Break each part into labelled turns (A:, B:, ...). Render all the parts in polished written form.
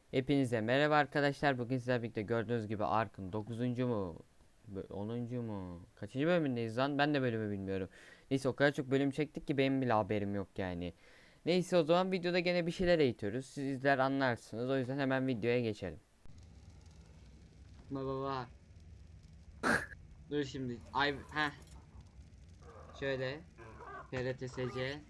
A: Hepinize merhaba arkadaşlar. Bugün sizlerle birlikte gördüğünüz gibi Ark'ın 9. mu? 10. mu? Kaçıncı bölümündeyiz lan? Ben de bölümü bilmiyorum. Neyse o kadar çok bölüm çektik ki benim bile haberim yok yani. Neyse o zaman videoda gene bir şeyler eğitiyoruz. Sizler anlarsınız. O yüzden hemen videoya geçelim. Baba. Dur şimdi. Şöyle. PRTSC.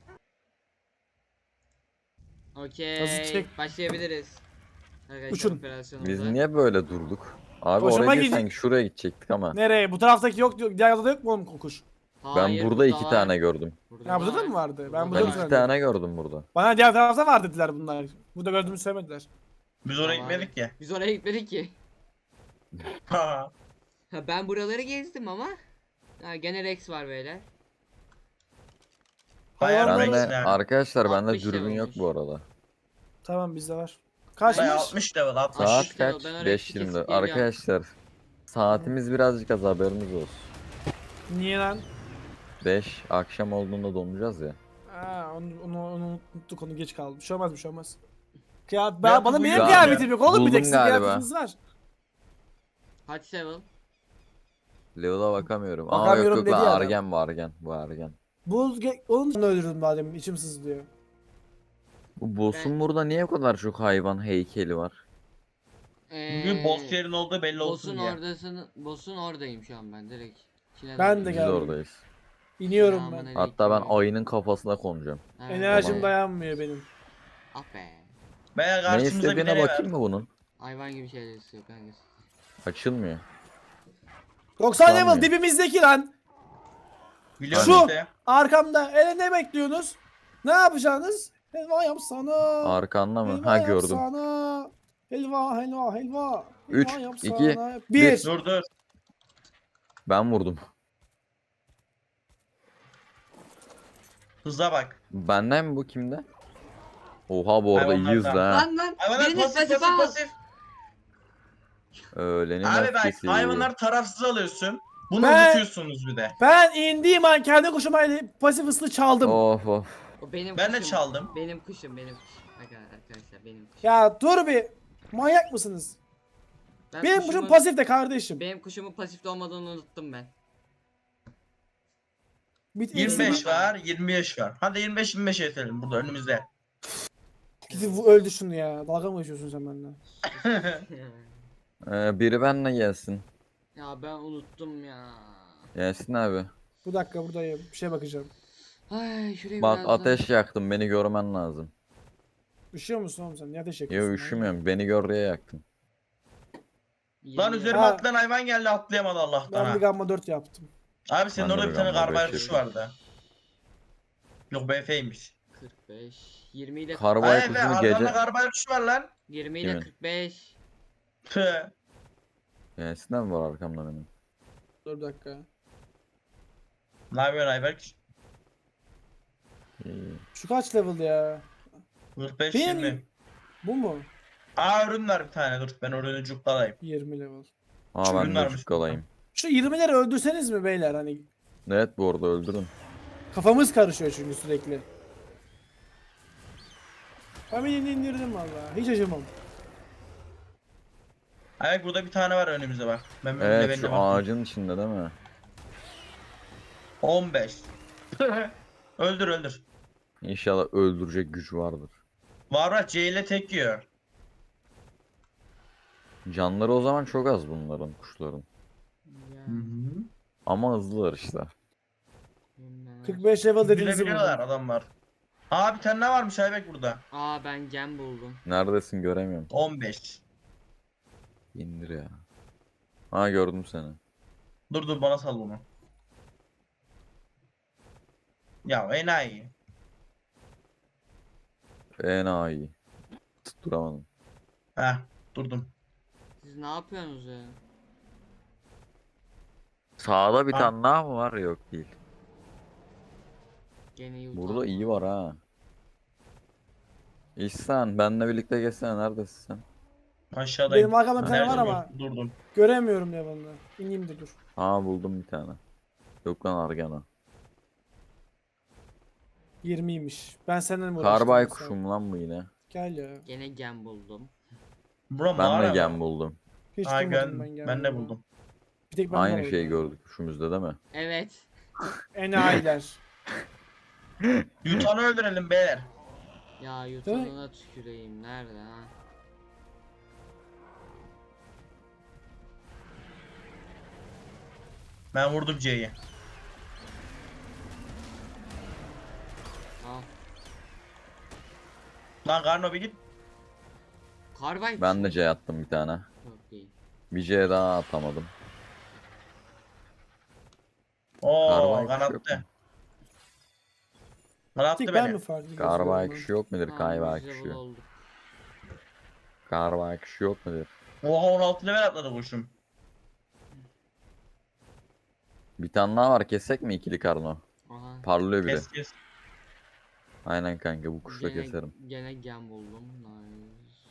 B: Hızlı
A: Okey.
B: çek.
A: Başlayabiliriz. Arkadaşlar
B: Uçun.
C: Biz
A: operasyonumuza.
C: niye böyle durduk? Abi
B: Hoşuma
C: oraya değil
B: gidi.
C: sanki şuraya gidecektik ama.
B: Nereye? Bu taraftaki yok diyor. Diğer odada yok mu oğlum kokuş?
C: Ben
A: Hayır
C: burada
A: burada
C: iki
A: var.
C: tane gördüm.
A: Burada
B: Ya burada da
A: var.
B: mı vardı? Ben
A: Burada
B: burada
C: Ben
A: da
B: mı
C: iki
A: var.
B: zannediyorum?
C: tane gördüm burada.
B: Bana diğer tarafta var dediler bunlar. Burada gördüğümü söylemediler.
D: Biz oraya
A: Tamam.
D: gitmedik ya.
A: Biz oraya gitmedik ki.
D: Ha.
A: Ha, ben buraları gezdim ama. Ha, gene Rex var beyler.
D: Bayağı
B: Hayvanlar-
C: Bende
D: Rex yani.
C: arkadaşlar bende
A: 60
C: dürbün yok
A: olmuş.
C: bu arada.
B: Tamam bizde var.
D: Bayağı
B: Kaçmış?
D: 60 level 60.
C: Saat
A: işte o,
C: kaç?
A: ben oraya
C: 5.20.
A: kesip geliyorum.
C: Arkadaşlar saatimiz birazcık az haberiniz olsun.
B: Niye lan?
C: 5 akşam olduğunda donacağız ya.
B: Aa, onu unuttuk, onu geç kaldı. Bir şey olmaz, bir şey olmaz.
D: Ya
B: Bana
D: bu
B: benim
D: ya-
B: kıyafetim yok oğlum, bir
C: Buldum
B: tek sizin
C: galiba.
B: kıyafetiniz var.
A: Kaç level?
C: Level'a bakamıyorum. Aa yok
B: Bakamıyorum
C: yok
B: dedi
C: lan
B: ya.
C: Argen bu Argen. Bu Argen.
B: Onu öldürdüm madem, içim sızlıyor.
C: Bu boss'un burada niye bu kadar çok hayvan heykeli var?
D: Bugün boss yerin olduğu belli olsun diye.
A: Boss'un oradayım şu an ben direkt.
B: Ben de
C: Biz
B: geldim.
C: oradayız.
B: İniyorum ben.
A: Selamünaleyküm.
C: Hatta ben ayının kafasına konacağım.
B: Enerjim
C: Tamam.
B: dayanmıyor benim.
A: Ah be.
D: Veya
C: Ne
D: karşımıza bir
C: istediğine
D: deney
C: bakayım
D: ver.
C: mı bunun?
A: Hayvan gibi şeyler istiyor kanka.
C: Açılmıyor.
B: 90 level
C: Sanmıyorum.
B: dibimizdeki lan.
D: Biliyorum
B: Şu
D: işte.
B: arkamda. Ne bekliyorsunuz? Ne yapacaksınız? Helva yapsana.
C: Arkanda mı?
B: Helva
C: Ha gördüm.
B: yapsana. Helva helva helva.
C: Üç,
B: Helva
C: iki,
B: yapsana. Bir.
D: Dur dur.
C: Ben vurdum.
D: Hıza bak.
C: Benden mi bu kimde? Oha bu arada iyiyiz
D: Hayvanlardan.
C: ha.
A: Lan
D: Hayvanlar
A: biriniz
D: pasif
A: al.
D: pasif.
C: Öğlenin
D: Abi bak
C: öfkesi.
D: hayvanlar tarafsız alıyorsun. Bunu
B: Ben-
D: unutuyorsunuz bir de.
B: Ben indiğim an kendi kuşuma pasif ıslı çaldım.
C: Of of.
A: O benim
D: Ben de
A: kuşum.
D: çaldım.
A: Benim kuşum. Arkadaşlar benim kuşum.
B: Ya dur bir. Manyak mısınız?
A: Ben
B: Benim kuşum pasif de kardeşim.
A: Benim kuşumun pasifte olmadığını unuttum ben.
D: 25 var, 25 var. Hadi 25 yetelim burada önümüzde.
B: Gidip öldü şunu ya. Dalga mı geçiyorsun sen benimle?
C: Biri benle gelsin.
A: Ya ben unuttum ya.
C: Gelsin abi.
B: Bu dakika buradayım. Bir şeye bakacağım.
A: Ay şuraya
C: Bak
A: biraz daha-
C: ateş yaktım beni görmen lazım.
B: Üşüyor musun oğlum sen? Niye ateş
C: Yo
B: yakıyorsun?
C: üşümüyorum beni gör diye yaktım.
D: Lan
A: 20
D: üzerime
B: Ha.
D: atlayan hayvan geldi atlayamadı Allah'tan
B: Ben bir
D: ha.
B: gamma 4 yaptım.
D: Abi senin
C: Ben de
D: orada
C: bir
D: bir tane
C: gamma
D: garbage
C: beş
D: kuşu
C: yapayım.
D: vardı. Yok BF'ymiş.
A: 45 20 ile
C: Karbay
D: Ay be
C: kuşunu
D: arkanda
C: gece...
D: garbage kuşu var lan.
A: 20 ile
C: Kimin?
A: 45.
D: Tüh.
C: Gelsin mi var arkamda benim?
B: Dur bir dakika.
D: Ne yapıyorsun Ayberk?
C: İyi.
B: Şu kaç level ya?
D: 45
B: Benim-
D: 20.
B: Bu mu?
D: Aa ürün var bir tane dur ben ürünü cukkalayayım.
B: 20 level.
C: Aa
D: Şu
C: ben
D: ürünler
C: de
D: mi?
C: çukkalayayım.
B: Şu 20'leri öldürseniz mi beyler, hani
C: Evet bu arada öldürün.
B: kafamız karışıyor çünkü sürekli. Ben birini indirdim valla. Hiç acımam.
D: Ayberk burada bir tane var önümüzde bak. Ben
C: Evet
D: belli
C: şu ağacın içinde değil mi?
D: 15. Öldür öldür.
C: İnşallah öldürecek güç vardır.
D: Var C ile tek yiyor.
C: Canları o zaman çok az bunların kuşların.
A: Ya,
C: Ama hızlılar işte.
A: bunlar.
B: 45 level dediğinizi
D: Gülebiliyorlar
B: buldum.
D: adam var. Aa bir tane daha varmış Ayberk burada.
A: Aa ben gem buldum.
C: Neredesin göremiyorum.
D: 15.
C: İndir ya. Ha gördüm seni.
D: Dur dur bana sal bunu. Ya enayi.
C: Enayi. Tutturamadım.
D: Heh durdum.
A: Siz ne yapıyorsunuz ya?
C: Sağda bir
D: Ha.
C: tane daha mı var? Yok değil.
A: Gene yutalım.
C: Burada iyi var ha. İhsan benle birlikte geçsene neredesin sen?
D: Aşağıdayım.
B: Benim arkamda bir tane
D: Nerede
B: var
D: bu?
B: ama
D: Durdum.
B: göremiyorum level'ını. İneyim de dur.
C: Aa buldum bir tane. Yok lan Argana.
B: 20'ymiş. Ben senden mi
C: Karbay
B: uğraştım?
C: kuşum lan bu yine.
B: Gel ya.
A: Gene gem buldum.
D: Bura
C: Ben de
D: mağara
C: gem
D: mı?
C: buldum.
B: Hiç
D: Ay,
B: bulmadım
D: ben de
B: gelmeyi.
D: buldum.
B: Bir tek ben
C: Aynı şeyi gördük üçümüzde değil mi?
A: Evet.
B: Enayiler.
D: Yutanı öldürelim beyler.
A: Ya
B: Değil mi?
A: yutanına tüküreyim. Nerede ha?
D: Ben vurdum C'yi.
A: Al.
D: Lan Karno bir git.
A: Karbay
C: Ben de C attım bir tane.
A: Çok iyi.
C: Bir C daha atamadım.
D: Oo
C: Garbay kuşu yok mu?
D: kanattı.
B: Bir
D: Kanattı
B: tek ben
D: beni.
B: mi farklı
C: Garbay
B: gözüküyorum
C: kuşu yok mudur?
A: Tamam,
C: Kayvay
A: biz level
C: kuşu.
A: olduk.
C: Garbay kuşu yok mudur?
D: Oha 16 level atladı kuşum.
C: Bir tane daha var, kessek mi ikili karno?
A: Aha.
C: Parlıyor bile.
D: Kes kes.
C: Aynen kanka, bu kuşla
A: Gene,
C: keserim.
A: gene gem buldum. Nice.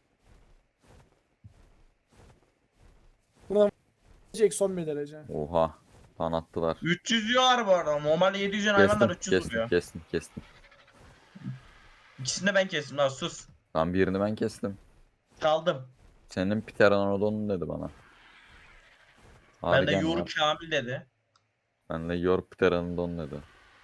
B: ben? Jack son bir derece.
C: Oha. Tan attılar.
D: 300 diyorlar bu arada. Normal 700 hayvanlar
C: Kestim
D: 300 vuruyor.
C: kestim.
D: İkisini de ben kestim lan sus.
C: Lan birini ben kestim.
D: Çaldım.
C: Senin Pteranodon dedi bana.
D: Ben de
C: Argen
D: Yuri
C: var.
D: Kamil dedi.
C: Ben de Yor Pteranodon dedi.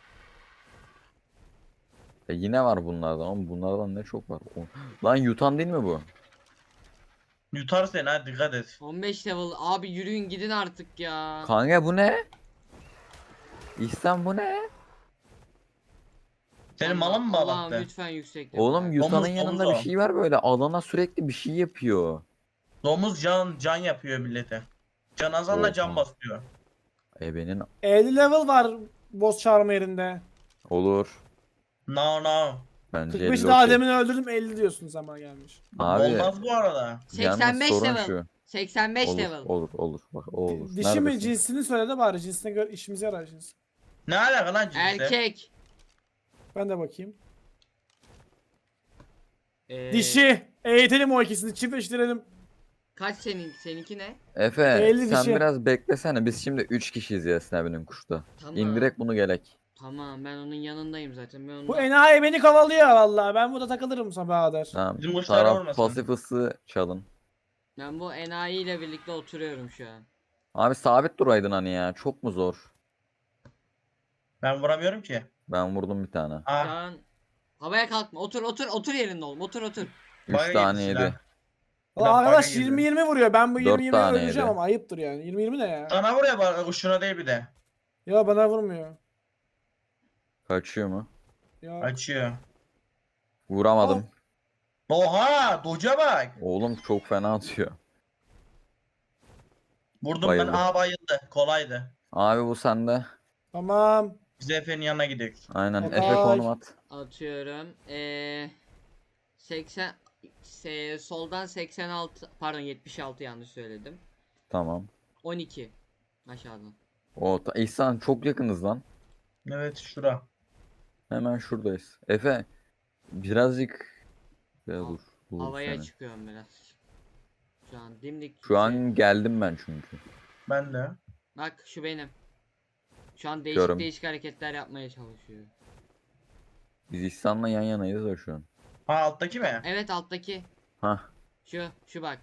C: Yine var bunlardan ama bunlardan ne çok var. Lan yutan değil mi bu?
D: Yutar seni ha dikkat et.
A: 15 level. Abi yürüyün gidin artık ya.
C: Kanka bu ne? İhsan bu ne?
D: Senin
A: Allah-
D: malın mı
A: Allah'ım
D: bağlattı?
A: lütfen yüksek level.
C: Oğlum yutanın
D: Domuz,
C: yanında
D: domuz
C: bir
D: o.
C: şey var böyle. Alana sürekli bir şey yapıyor.
D: Domuz can yapıyor millete. Can azanla can
C: Oha.
D: basıyor.
C: Benim
B: 50 level var boss çağırma yerinde.
C: olur.
D: No no.
C: Bence
B: 45
C: 50
B: daha
C: okey.
B: demin öldürdüm 50 diyorsun zaman gelmiş.
C: Abi
D: Olmaz bu arada.
C: yalnız
A: 85
C: sorun
A: level.
C: şu.
A: 85
C: Olur,
A: level.
C: olur. Bak o olur.
B: Dişi mi
C: Neredesin?
B: cinsini söyle de bari cinsine göre işimize yarar cins.
D: Ne alaka lan cinse?
A: Erkek.
B: Ben de bakayım.
A: Dişi.
B: Eğitelim o ikisini çiftleştirelim.
A: Kaç seninki ne?
C: Efe
B: 50
C: sen
B: dişi.
C: biraz beklesene. Biz şimdi 3 kişiyiz Yasin abinin kuşta.
A: Tamam.
C: İndirek bunu gelek.
A: Tamam ben onun yanındayım zaten. Ben
B: Bu
A: onunla...
B: enayi beni kovalıyor vallahi. Ben burada takılırım sabaha kadar.
C: Tamam.
D: Bizim kuşlara
C: Taraf
D: vurmasın.
C: pasifısı çalın.
A: Ben bu enayi ile birlikte oturuyorum şu an.
C: Abi sabit duraydın hani ya. Çok mu zor?
D: Ben vuramıyorum ki.
C: Ben vurdum bir tane.
A: Şu
D: Ah
A: an havaya kalkma. Otur yerinde oğlum. Otur.
C: 3
D: Baga
C: tane
D: yedi
C: yedi.
D: silah.
B: Valla
D: Ulan
B: arkadaş
D: baga girdi.
B: 20-20 vuruyor. Ben bu
C: 4
B: 20-20'ye
C: tane
B: öleceğim
C: yedi.
B: ama ayıptır yani. 20-20 ne ya?
D: sana vuruyor bak kuşuna değil bir de.
B: Ya bana vurmuyor.
C: Kaçıyor mu?
B: Ya.
D: Açıyor.
C: Vuramadım.
D: Oha doca bak.
C: Oğlum çok fena atıyor.
D: Vurdum
C: Bayıldı.
D: ben. Aha bayıldı. Kolaydı.
C: Abi bu sende.
B: Tamam.
D: Biz Efe'nin yanına gidiyoruz.
C: Aynen.
B: Okay.
C: Efe konum at.
A: Atıyorum. 80 soldan 86 pardon 76 yanlış söyledim.
C: Tamam.
A: 12 aşağıdan.
C: İhsan çok yakınız lan.
D: Evet şura.
C: Hemen şuradayız. Efe birazcık ya
A: Al-
C: dur. Dur
A: Havaya
C: seni.
A: çıkıyorum biraz. Şu an dimdik.
C: Şu an geldim ben çünkü.
D: Ben de.
A: Bak şu benim. Şu an
C: Görüm.
A: değişik hareketler yapmaya çalışıyor.
C: Biz İhsan'la yan yanayız da şu an.
D: Ha alttaki mi?
A: Evet alttaki.
C: Hah.
A: Şu bak.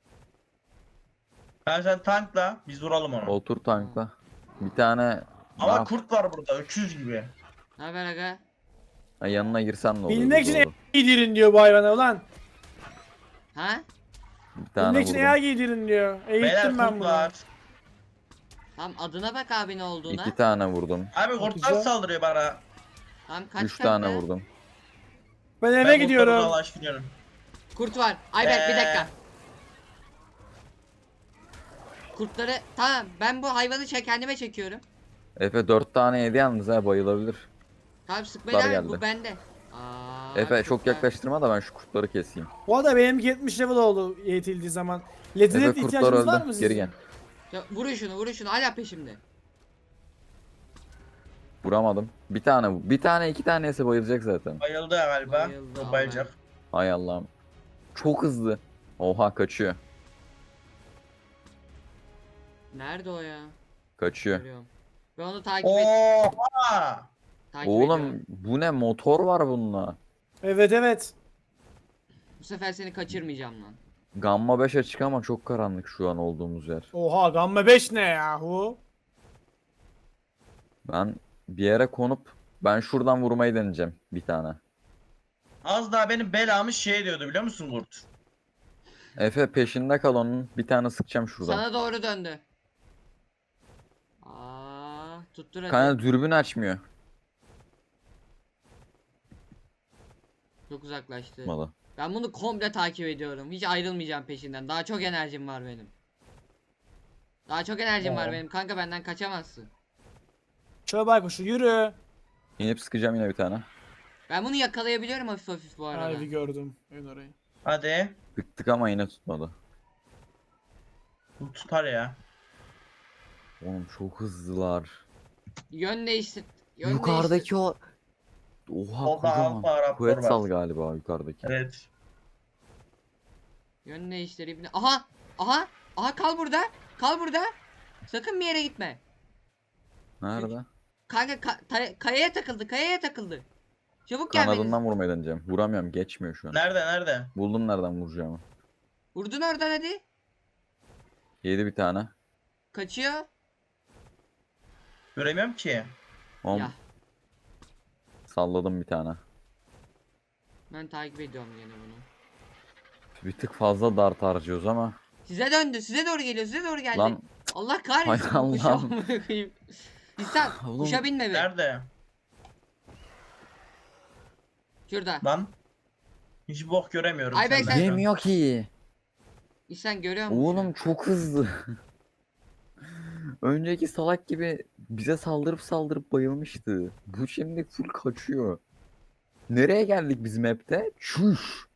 D: Sen tankla biz vuralım onu.
C: Otur tankla. Bir tane
D: Ama
C: ne yap-
D: kurt var burada öküz gibi.
A: Ne haber aga?
C: Ha, yanına girsen ne olur?
B: Bilmek için
C: Doğru.
B: giydirin diyor bu hayvana ulan.
A: Ha?
C: Bir tane
B: Bilmek için
C: vurdum.
B: eğer giydirin diyor.
D: Beyler
B: Eğittim ben
D: kurt
B: bunu.
D: var.
A: Tamam adına bak abi ne olduğuna.
C: 2 tane vurdum.
D: Abi kurtlar
B: Güzel.
D: saldırıyor bana.
A: Tamam kaç
C: 3 tane
A: kanka?
C: vurdum.
B: Ben eve
D: Ben kurtları
B: gidiyorum.
D: dolaştırıyorum.
A: Kurt var. Ayberk bir dakika.
D: Ee.
A: Kurtları tamam ben bu hayvanı kendime çekiyorum.
C: Efe 4 tane yedi yalnız ha, bayılabilir.
A: Tamam sıkmayın
C: Kurtlar
A: abi bu
C: geldi.
A: bende. Aa,
C: Efe çok
A: kurtlar.
C: yaklaştırma da ben şu kurtları keseyim.
B: Bu arada benim 70 level oldu eğitildiği zaman.
C: Efe
B: Letinet
C: kurtlar
B: ihtiyacınız var mı
C: öldü.
B: sizin?
C: Geri gel.
A: Ya, vurun şunu hala peşimde.
C: Vuramadım. Bir tane 2 tanesi bayılacak zaten.
D: Bayıldı galiba.
A: Bayıldı,
D: O bayılacak.
C: Hay Allah'ım. Çok hızlı. Oha kaçıyor.
A: Nerede o ya?
C: Kaçıyor.
A: Görüyorum. Ben onu takip
D: Oha!
A: ediyorum.
C: Oğlum bu ne, motor var bununla.
B: Evet evet.
A: Bu sefer seni kaçırmayacağım lan.
C: Gamma 5 açık ama çok karanlık şu an olduğumuz yer.
B: Oha Gamma 5 ne yahu?
C: Ben bir yere konup ben şuradan vurmayı deneyeceğim bir tane.
D: Az daha benim belamı şey diyordu biliyor musun Kurt?
C: Efe peşinde kal onun. Bir tane sıkacağım şuradan.
A: Sana doğru döndü. Aa, tuttur hadi.
C: Kanka dürbün açmıyor.
A: Çok uzaklaştı.
C: Malı.
A: Ben bunu komple takip ediyorum. Hiç ayrılmayacağım peşinden. Daha çok enerjim var benim. Daha çok enerjim var
D: Oo.
A: benim. Kanka benden kaçamazsın.
B: Şöyle baykuşu yürü.
C: İnip sıkacağım yine bir tane.
A: Ben bunu yakalayabiliyorum hafif hafif bu arada.
B: Harbi gördüm. Ben orayı.
D: Hadi.
C: Sıktık ama yine tutmadı.
D: Bu tutar ya.
C: Oğlum çok hızlılar.
A: Yön değiştir. Yön
C: Yukarıdaki
A: değiştir.
C: o... Oha
D: Solda
C: kocaman.
D: Alfa Raptor
C: Kuvvet
D: var.
C: sal galiba yukarıdaki.
D: Evet.
A: Yön değiştir ibne. Aha! Aha! Aha kal burada. Kal burada. Sakın bir yere gitme.
C: Nerede?
A: Kanka kayaya takıldı. Kayaya takıldı. Çabuk gelmeniz.
C: Kanadından vurmayı deneyeceğim. Vuramıyorum geçmiyor şu an.
D: Nerede nerede?
C: Buldum nereden vuracağımı.
A: Vurdun oradan hadi.
C: Yedi bir tane.
A: Kaçıyor.
D: Göremiyorum ki.
C: Oğlum
A: Ya
C: salladım bir tane.
A: ben takip ediyorum yine bunu.
C: Bir tık fazla dart harcıyoruz ama.
A: Size döndü. Size doğru geliyor. Size doğru geldi.
C: Lan
A: Allah kahretsin
C: Hay
A: bu kuşa
C: Allah'ım.
A: amına koyayım. İhsan
C: Oğlum.
A: kuşa binme be.
D: Nerede?
A: Şurada.
D: Lan. Hiç bok göremiyorum
A: Ay ben
D: senden
A: sen-
D: şu an.
C: yemiyor ki.
A: İhsan görüyor musun?
C: Oğlum çok hızlı. Önceki salak gibi bize saldırıp bayılmıştı. Bu şimdi full kaçıyor. Nereye geldik biz map'te? Çüş.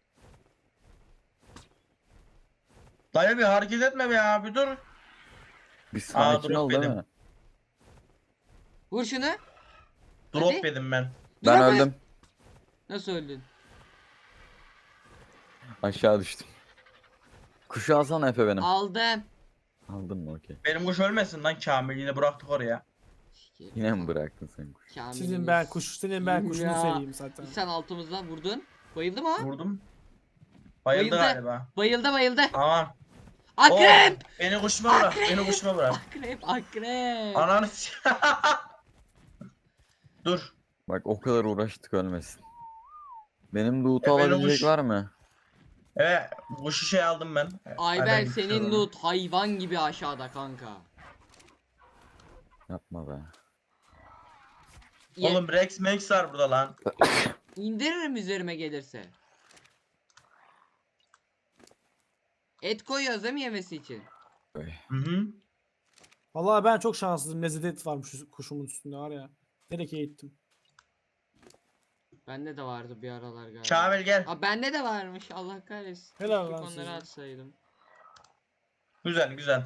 D: Dayı bir hareket etme be ya bir dur.
C: Bir sakin
D: drop
C: ol değil
D: yedim.
C: mi?
A: Vur şunu.
D: Drop
A: Hadi.
D: yedim ben.
C: Ben
A: Dur ama-
C: öldüm.
A: Nasıl öldün?
C: Aşağı düştüm. Kuşu alsana Efe benim.
A: Aldım.
C: Aldın mı okey.
D: Benim kuş ölmesin lan Kamil yine bıraktık oraya.
C: Yine mi bıraktın sen kuşu?
B: Senin ben kuşunu
A: Ya.
B: seveyim zaten.
A: İhsan altımızdan vurdun. Bayıldı mı o?
D: Vurdum. Bayıldı
A: Bayıldı.
D: galiba.
A: Bayıldı.
D: Aman.
A: Akrep!
D: Oh, beni kuşuma bırak. Beni kuşuma bırak.
A: Akrep.
D: Ananı Dur.
C: Bak o kadar uğraştık ölmesin. Benim loot'u
D: Efe
C: alabilecek
D: Nuş.
C: var mı?
D: Evet. Kuşu şey aldım ben.
A: Ayber
D: Aynen,
A: senin
D: gidiyorum.
A: loot hayvan gibi aşağıda kanka.
C: Yapma be.
D: Oğlum Rex Max var burada lan.
A: İndiririm üzerime gelirse. Et koyuyoruz değil mi yemesi için?
D: Hı hı.
B: Vallahi ben çok şanslıyım. Lezzet varmış şu kuşumun üstünde var ya. Direkt eğittim.
A: Bende de vardı bir aralar galiba.
D: Kamil gel.
A: Aa bende de varmış Allah kahretsin.
B: Helal
A: Keşke
B: lan
A: onları
B: size.
A: atsaydım.
D: Güzel güzel.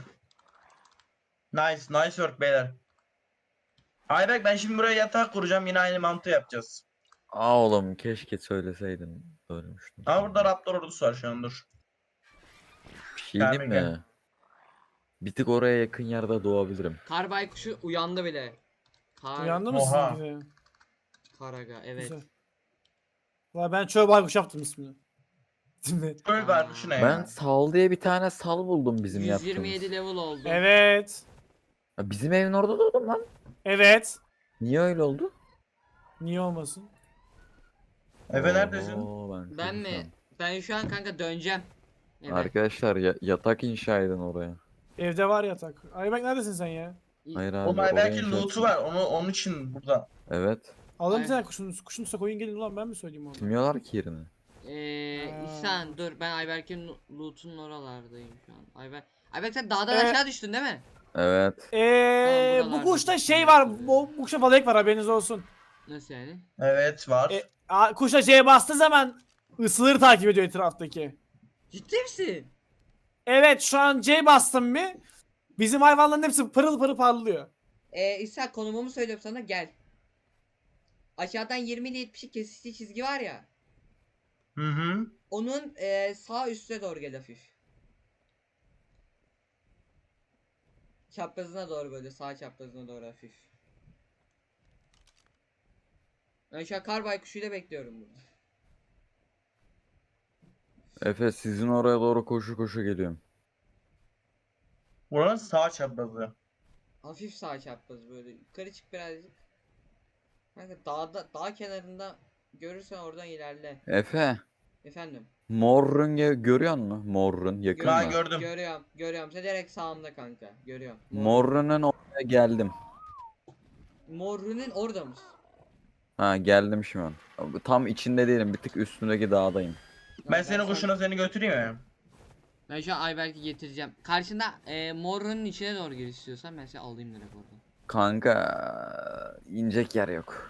D: Nice work beyler. Ayberk ben şimdi buraya yatak kuracağım yine aynı mantığı yapacağız.
C: Aa oğlum keşke söyleseydin. Ölmüştüm.
D: Ama burada Raptor ordusu var şu an dur.
C: Bir şey diyeyim
D: Gelme, gel.
C: mi? Bir tık oraya yakın yerde doğabilirim.
A: Kar baykuşu uyandı bile.
B: Uyandı mı
D: Oha.
B: sizinki de?
A: Karaga evet.
B: Güzel. Valla ben çöl baykuş yaptım ismini. Şimdi.
D: Öl var şu ne
C: Ben
D: ya?
C: sal diye bir tane sal buldum bizim
A: 127
C: yaptığımız.
A: level oldu.
B: Evet.
C: Ya bizim evin orada doğdum lan.
B: Evet.
C: Niye öyle oldu?
B: Niye olmasın?
D: Efe neredesin?
C: Oo,
A: Ben
C: çok
A: mi?
C: utandım.
A: Ben şu an kanka döneceğim. Evet.
C: Arkadaşlar yatak inşa edin oraya.
B: Evde var yatak. Ayberk neredesin sen ya?
C: Hayır abi
D: Oğlum
C: oraya
D: Ayberk'in
C: inşa
D: loot'u
C: etsin.
D: var onun için burada.
C: Evet.
B: Alın bir
A: Aynen.
B: tane kuşun üstüne koyun gelin ulan ben mi söyleyeyim onu?
C: Bilmiyorlar ki yerini.
A: İhsan dur ben Ayberk'in loot'unun oralardayım şu an. Ayberk sen dağdan
B: Evet.
A: aşağı düştün değil mi?
C: Evet.
A: Tamam,
B: Bu
A: buralarda
B: kuşta şey
A: kuşun
B: var.
A: yoktur
B: Bu kuşta balık var haberiniz olsun.
A: Nasıl yani?
D: Evet var.
B: Kuşa C'ye bastığı zaman ısıları takip ediyor etraftaki.
A: Ciddi misin?
B: Evet şu an C bastım bir. Bizim hayvanların hepsi pırıl pırıl parlıyor.
A: İhsan konumumu söylüyorum sana gel. Aşağıdan 20 ile 70'lik kesiştiği çizgi var ya.
D: Hı hı.
A: Onun sağ üstüne doğru gel hafif. Çaprazına doğru böyle sağ çaprazına doğru hafif. Ben şu an kar baykuşuyla bekliyorum burada.
C: Efe sizin oraya doğru koşu koşu geliyorum.
D: Buranın sağ çaprazı.
A: Hafif sağ çapraz böyle. Yukarı çık birazcık. Kanka dağ kenarında görürsen oradan ilerle.
C: Efe.
A: Efendim.
C: Morrun görüyor musun? Morrun yakın
D: Ben
C: mı?
D: gördüm.
A: Görüyorum. Sen direkt sağımda kanka. Görüyorum.
C: Morrun'un oraya geldim.
A: Morru'nun orada mısın?
C: Ha geldim şu an. Tam içinde değilim. Bir tık üstündeki dağdayım.
D: Ben senin kuşuna seni götüreyim mi?
A: Ben şu an Ayberk'i getireceğim. Karşında Morru'nun içine doğru gir istiyorsan ben seni alayım direkt oradan.
C: Kanka inecek yer yok.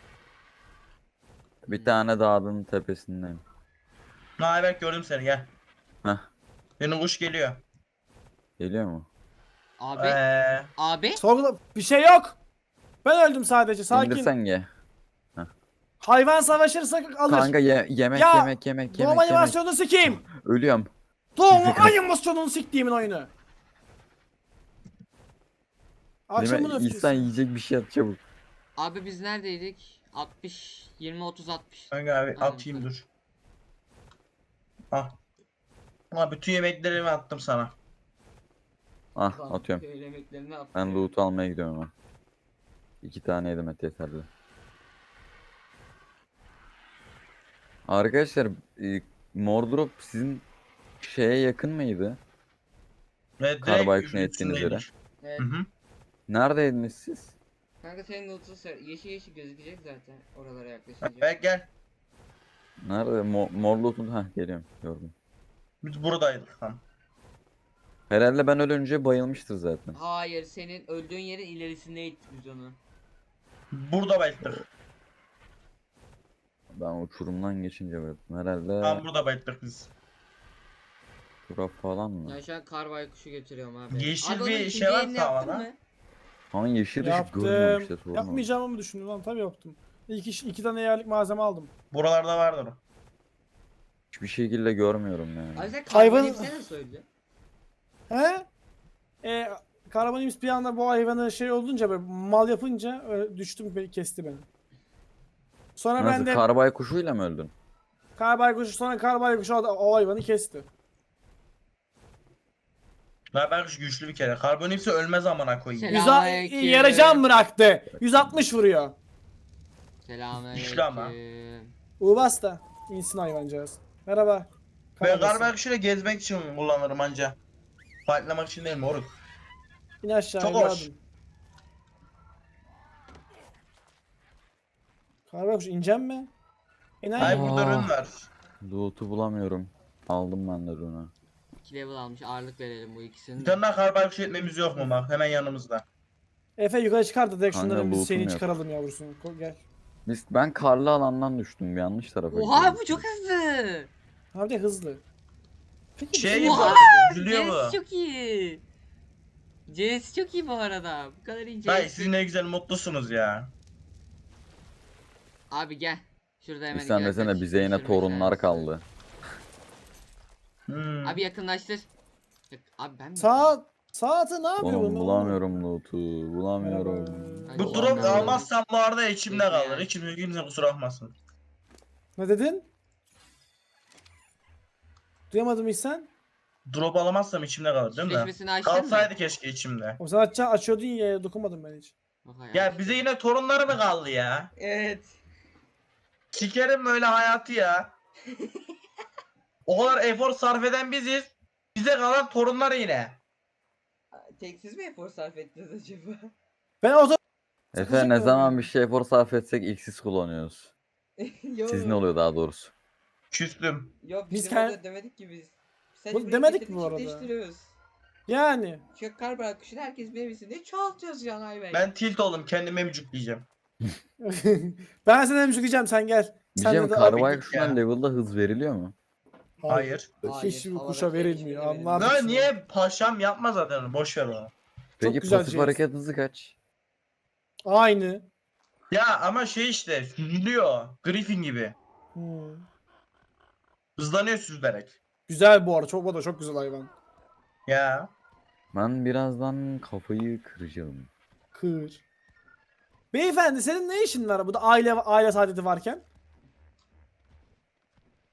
C: Bir tane dağın tepesindeyim.
D: Naber gördüm seni gel.
C: Heh.
D: Senin kuş geliyor.
C: Geliyor mu?
A: Abi.
D: Eee.
A: Abi.
B: Sorgula bir şey yok. Ben öldüm sadece. Sakin.
C: İndirsen ye.
B: Hayvan savaşırsa alır.
C: Kanka yemek
B: Ya,
C: yemek.
B: Doğum animasyonunu sikeyim.
C: Ölüyorum.
B: Doğum
C: Bizi kaç-
B: animasyonunu siktiğimin oyunu. Akşamın
C: Değil mi? İnsan
B: öfkesi.
C: yiyecek bir şey at çabuk.
A: Abi biz neredeydik? 60 20 30 60.
D: Kanka abi
A: Aynen,
D: atayım
A: tabii.
D: dur. Ah. Ama bütün yemeklerimi attım sana.
C: Ah
A: Tamam,
C: atıyorum.
A: köy yemeklerini attım.
C: Ben loot almaya gidiyorum ama. 2 tane yedim et yeterli. Arkadaşlar Mordrop sizin şeye yakın mıydı?
D: Ve
C: Karbayku'nun
D: direkt
C: ettiğiniz yere.
D: üstündeymiş.
A: Evet.
D: Hı hı.
C: Neredeydiniz siz?
A: Kanka senin loot'un yeşil yeşil gözükecek zaten oralara yaklaşınca.
D: Evet gel.
C: Nerede? Mor loot'un... Heh geliyorum. Gördüm.
D: Biz buradaydık tam.
C: Herhalde ben ölünce bayılmıştır zaten.
A: Hayır, senin öldüğün yerin ilerisindeydik biz onu.
D: Burada bayıldık.
C: Ben uçurumdan geçince bayıldım. Herhalde
D: Tam burada bayıldık biz.
C: turap falan mı?
A: Ben şu an kar baykuşu götürüyorum abi.
D: Yeşil
A: Abi onun
D: bir
A: ikinci
D: şey var
A: yerini yaptın
D: tavada.
A: mı?
C: Ama yeşil ışık görmüyorum
B: Yaptım.
C: işte sorun o.
B: Yapmayacağımı mı düşündün lan? Tabii yaptım. İki tane yerlik malzeme aldım.
D: Buralarda vardır. o.
C: Hiçbir şekilde görmüyorum yani.
A: Abi sen
B: Hayvan-
A: karbonipse nasıl öldün?
B: He? Karabanimiz bir anda bu hayvanı şey olunca böyle mal yapınca düştüm, kesti beni. Sonra
C: Nasıl
B: ben de
C: karbay kuşuyla mı öldün?
B: karbaykuşu, sonra karbaykuşu o hayvanı kesti.
D: Naber güçlü bir kere. Karbonipsi ölmez amına koyayım.
A: Selam.
B: Yarı can bıraktı. 160 vuruyor.
A: Selamünaleyküm.
D: Güçlü ama.
B: Ubas da insin hayvancağız. Merhaba.
D: Ben
B: Karabası.
D: karbonipsiyle gezmek için kullanırım anca. Fightlamak için değil moruk.
B: İn aşağı
D: Çok
B: evladım.
D: hoş.
B: Karbaykuş ineceğim mi?
D: Hayır burada
C: Aa.
D: ürün var.
C: Loot'u bulamıyorum. Aldım ben de onu.
A: 2 level almış, ağırlık verelim bu ikisini
D: Bir
A: de.
D: tane daha karbonipsi etmemiz yok mu bak hemen yanımızda.
B: Efe yukarı çıkar da direkt
C: Kanka,
B: şunları biz
C: lootum
B: seni
C: yok.
B: çıkaralım yavrusunu. Gel.
C: Ben karlı alandan düştüm. Yanlış tarafa
A: Oha
C: gidiyorum.
A: bu çok hızlı.
B: Abi de hızlı. Peki
D: Şey
A: Oha!
D: üzülüyor
A: CS
D: mu?
A: çok iyi. CS çok iyi bu arada. Bu kadar iyi CS.
D: Hayır siz ne güzel mutlusunuz ya.
A: Abi gel. Şurada hemen
C: İhsan
A: iki dakika
C: desene bize yine
A: düşürme
C: torunlar
A: şansı.
C: kaldı.
A: Abi yakınlaştır. Abi ben mi?
B: Saati ne yapıyor
C: Oğlum
B: bu?
C: bulamıyorum loot'u. Bulamıyorum.
A: Hadi
D: Bu
A: oğlum,
D: drop
A: ben-
D: almazsam bu arada içimde
A: Bekle
D: kalır.
A: yani.
D: İçimde kimse kusura bakmasın.
B: Ne dedin? Duyamadım İhsan.
D: Drop alamazsam içimde kalır değil mi?
A: Çiftleşmesini açtın mı?
D: Kalsaydı keşke içimde.
B: O zaman açıyordun ya, dokunmadım ben hiç.
A: Bak hayatım.
D: Ya bize yine torunları mı kaldı ya?
A: Evet.
D: Sikerim böyle hayatı ya. O kadar efor sarf eden biziz. Bize kalan torunlar yine.
A: Tek siz mi efor sarf ettiniz acaba?
B: Ben o
C: Efe ne zaman bir şey efor sarf etsek ilk siz kullanıyoruz.
A: Yok.
C: Siz ne oluyor daha doğrusu?
D: Küstüm.
A: Yok
B: Biz
A: bizim orada demedik ki biz. Sadece
B: Bu
A: buraya
B: demedik
A: getirdik,
B: mi bu arada?
A: çiftleştiriyoruz.
B: Yani.
A: Şu kar bırakışını herkes bilebilsin diye çoğaltıyoruz Can Ayberk.
D: Ben tilt oldum kendime mücükleyeceğim.
B: Ben sana demiş diyeceğim, sen gel. Sen
C: Diyeceğim
B: de
C: karbay
D: git
C: kuşundan
D: ya.
C: level'da hız veriliyor mu?
D: Hayır.
B: Hiçbir
A: Havada
B: kuşa
A: şey
B: verilmiyor.
A: hiçbiri
B: Anlar
D: Ne
B: mısın?
D: niye paşam yapma zaten onu, boş ver onu.
C: Peki
B: güzel
C: pasif
B: şey.
C: hareket hızı kaç?
B: Aynı.
D: Ya ama şey işte süzülüyor. Griffin gibi.
B: Hmm.
D: Hızlanıyor süzülerek.
B: Güzel bu arada. O da çok güzel hayvan.
D: Ya.
C: Ben birazdan kafayı kıracağım.
B: Kır. Beyefendi senin ne işin var burada aile saadeti varken?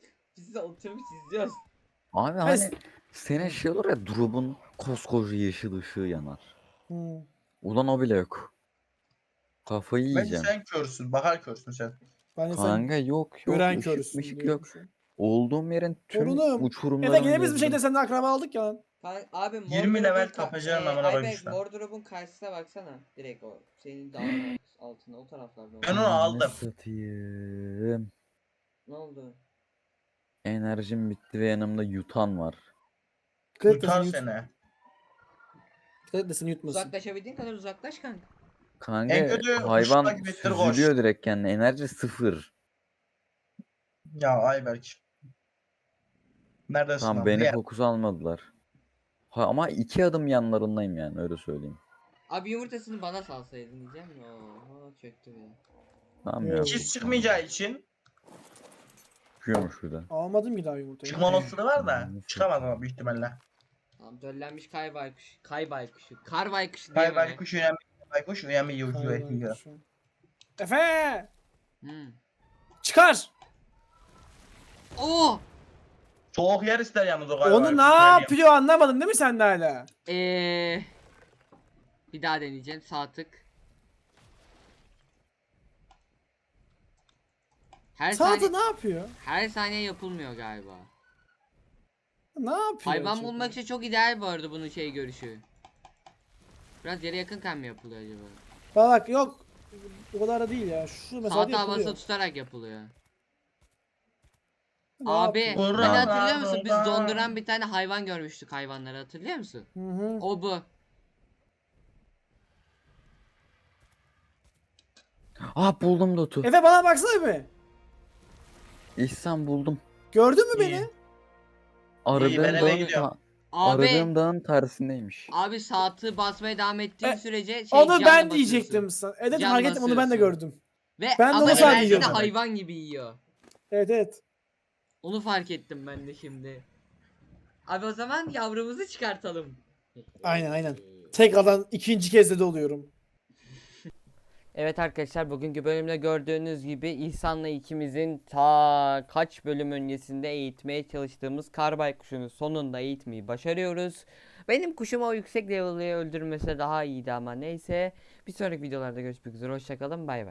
A: size oturmuş izliyoruz.
C: Abi
B: Hayır.
C: hani senin şey olur ya, drop'un koskoca yeşil ışığı yanar.
B: Hmm.
C: Ulan o bile yok. Kafayı
D: Bence
C: yiyeceğim.
D: sen körsün. Bakar körsün sen.
B: Bence sen
C: Kanka yok
B: gören
C: ışık
B: körüsün
C: ışık
B: diyorum
C: yok.
B: şu an.
C: Olduğum yerin tüm
B: Torunum.
C: uçurumlarını
B: Gene biz bir
C: gezdim.
B: şekilde seninle akraba aldık ya lan.
A: Abi
D: 20 level tapacağın amına koyayım
A: Ayberk
D: işte.
A: Mordor'un karşısına baksana. Direkt o. Senin dağın altında o taraflarda.
D: Ben onu
C: Ananı
D: aldım.
C: satayım.
A: Ne oldu?
C: Enerjim bitti ve yanımda yutan var.
B: Dikkat et de
D: Tutar
B: seni
D: seni.
B: Dikkat et de seni yutmasın.
A: Uzaklaşabildiğin kadar uzaklaş kanka.
C: Kanka
D: En kötü
C: hayvan
D: kuşla gibi ettir koş.
C: süzülüyor direkt kendine. Enerji sıfır.
D: Ya Ayberk. Neredesin
C: Tamam
D: lan?
C: beni
D: Niye?
C: fokus almadılar. Ama 2 adım yanlarındayım yani, öyle söyleyeyim.
A: Abi yumurtasını bana salsaydın diyeceğim. Oho çöktü bile.
C: Tamam ya.
B: Evet.
D: İkiz çıkmayacağı için
C: Çıkıyormuş şurada.
B: Almadım ki daha yumurtayı.
D: çıkma olasılığı var da
C: Nasıl?
D: çıkamaz ama büyük ihtimalle.
A: Tamam döllenmiş kay baykuşu. Kay baykuşu. Kar baykuşu
D: Kay
A: diyemem.
D: baykuş önemli. Baykuş önemli yiyor.
B: Şu an. Efe!
A: Hmm.
B: Çıkar!
A: Oo!
D: Soğuk yer ister yalnız o kay
B: Onu
D: baykuş,
B: ne
D: söyleyeyim.
B: yapıyor anlamadın değil mi sen de hala?
A: Bir daha deneyeceğim. Sağ tık. Her
B: Sağda
A: saniye
B: ne yapıyor?
A: her saniye yapılmıyor galiba.
B: Ne yapıyor?
A: Hayvan
B: acaba?
A: bulmak için çok ideal bu arada bunun şey görüşü. Biraz yere yakınken mi yapılıyor acaba?
B: Bak yok. O kadar da değil ya. Şu mesela
A: Sağ tavası
B: yapılıyor.
A: tutarak yapılıyor.
B: Ne
A: Abi
B: yapıyor?
D: Vurra
A: hani hatırlıyor musun? Biz
D: vurra.
A: donduran bir tane hayvan görmüştük, hayvanları hatırlıyor musun?
B: Hı hı.
A: O bu.
C: Ah, buldum Dotu.
B: Efe bana baksana bir.
C: İhsan buldum.
B: Gördün mü
D: İyi.
B: beni?
C: Aradığım
D: ben eve
C: dağın,
D: gidiyorum.
A: Abi
C: aradığım dağın tersindeymiş.
A: abi sağ tığı basmaya devam ettiğin
B: E,
A: sürece şey
B: Onu
A: canla
B: ben
A: basıyorsun.
B: diyecektim sana. Evet
A: Can
B: fark ettim onu ben de
A: basıyorsun.
B: gördüm.
A: Ve
B: Ben de
A: ama
B: onu
D: fark
A: enerjini
D: ediyorum.
A: hayvan gibi yiyor.
B: Evet evet.
A: Onu fark ettim ben de şimdi. Abi o zaman yavrumuzu çıkartalım.
B: Aynen aynen. Tekrardan ikinci kez de oluyorum.
A: Evet arkadaşlar bugünkü bölümde gördüğünüz gibi İhsan'la ikimizin ta kaç bölüm öncesinde eğitmeye çalıştığımız kar baykuşunu sonunda eğitmeyi başarıyoruz. Benim kuşum o yüksek level'ı öldürmese daha iyiydi ama neyse. Bir sonraki videolarda görüşmek üzere, hoşçakalın, bay bay.